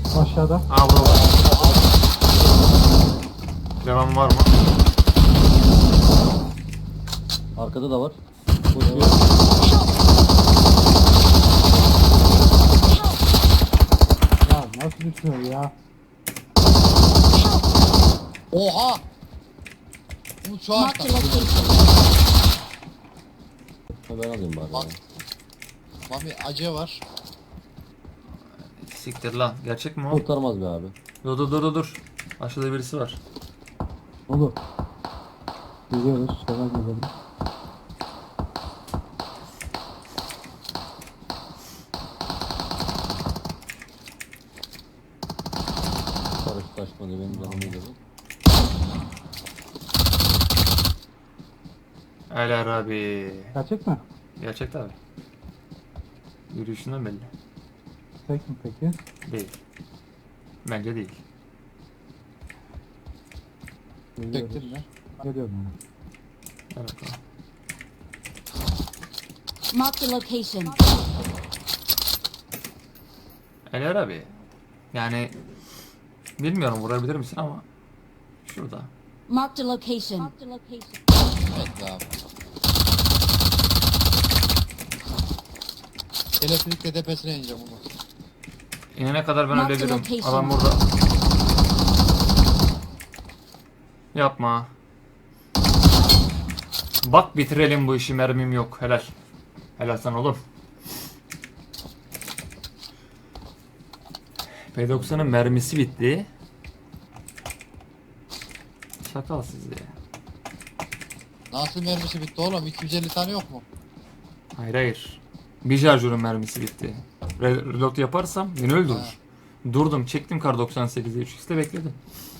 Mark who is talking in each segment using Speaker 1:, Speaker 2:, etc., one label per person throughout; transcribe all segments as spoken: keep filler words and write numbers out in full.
Speaker 1: Aşağıda.
Speaker 2: Aa burada var. Devam var mı?
Speaker 3: Arkada da var. Koşuyor.
Speaker 1: Ya nasıl düşüyor ya?
Speaker 4: Oha! Bu şu an
Speaker 5: Marked a location.
Speaker 3: Ben alayım bari.
Speaker 4: Bak.
Speaker 3: ya.
Speaker 4: Mami acı var.
Speaker 2: Siktir lan. Gerçek mi o?
Speaker 3: Kurtarmaz be abi.
Speaker 2: Dur dur dur dur, dur. Aşağıda birisi var.
Speaker 1: Olur. Gidiyoruz. Selam gidelim.
Speaker 3: Karış taşmadı benim canımı yedi.
Speaker 2: Eler abi.
Speaker 1: Gerçek mi?
Speaker 2: Gerçek abi. Yürüyüşünden belli.
Speaker 1: Tek mi peki?
Speaker 2: Değil. Bence değil.
Speaker 1: Geliyoruz.
Speaker 4: Çektin mi?
Speaker 1: Geliyorum yani.
Speaker 2: Gel bakalım.
Speaker 5: Marked a location.
Speaker 2: Eler abi. Yani bilmiyorum vurabilir misin ama şurada.
Speaker 5: Marked a location.
Speaker 4: Evet abi. Elektrikle tepesine ineceğim onu.
Speaker 2: İnene kadar ben
Speaker 5: Mark the
Speaker 2: ölebilirim.
Speaker 5: location.
Speaker 2: Adam burada. Yapma. Bak bitirelim bu işi, mermim yok. Helal. Helal sana oğlum. P doksanın mermisi bitti. Şakal sizi.
Speaker 4: Nasıl mermisi bitti oğlum? iki yüz elli tane yok mu?
Speaker 2: Hayır hayır. Bir şarjörün mermisi bitti. Re- Reload yaparsam beni öldürür.
Speaker 4: Ha.
Speaker 2: Durdum, çektim kar doksan sekize üç x'te bekledim.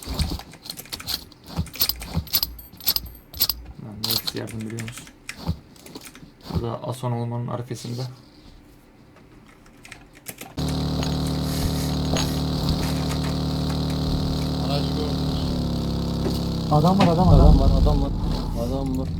Speaker 2: Lan ne eksi yardım biliyor musun? Burada Ason olmanın arkasında.
Speaker 4: Aracı gördünüz.
Speaker 1: Adam var adam var.
Speaker 3: Adam var, adam var. Adam var.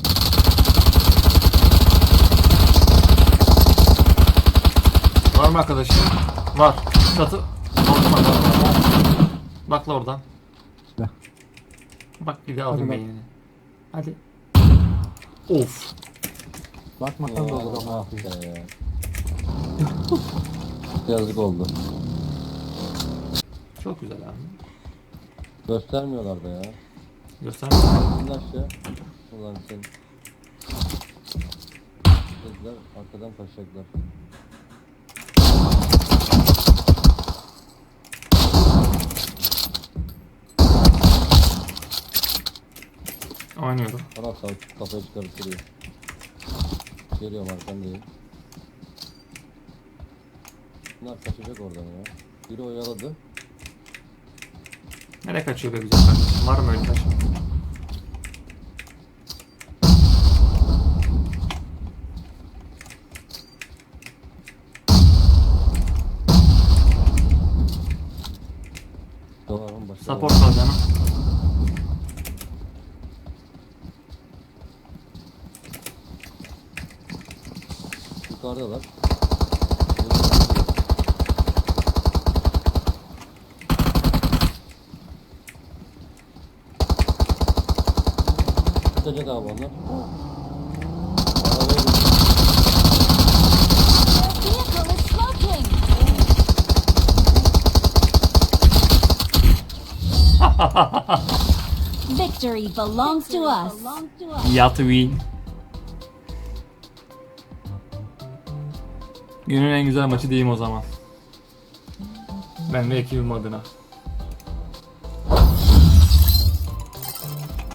Speaker 2: Var mı arkadaşım? Var. Çatı. Ortama var. Bak la oradan.
Speaker 1: Silah.
Speaker 2: Bak bir de alayım
Speaker 1: bak.
Speaker 2: beynini. Hadi. Of.
Speaker 1: Bakmasan da olur ama.
Speaker 3: Ah be. Yazık oldu.
Speaker 2: Çok güzel abi.
Speaker 3: Göstermiyorlar da ya.
Speaker 2: Göster.
Speaker 3: Şimdi aşağı. Ulan sen. Dediler arkadan kaçacaklar.
Speaker 2: Oynuyorum.
Speaker 3: Bana sağ kafayı çıkarıp duruyor. Geliyorum arkandayım. Bunlar kaçacak oradan ya. Biri oyaladı.
Speaker 2: Nereye kaçıyor be güzel kardeşim? Var mı öyle kaç?
Speaker 3: Dolarım başka.
Speaker 2: Support al canım.
Speaker 3: Yukarıdalar. Tutacak abi onlar. Arabaya bin.
Speaker 5: Vehicle is smoking. Victory belongs to us.
Speaker 2: Yat win. Günün en güzel maçı diyeyim o zaman. Ben ve ekibim adına.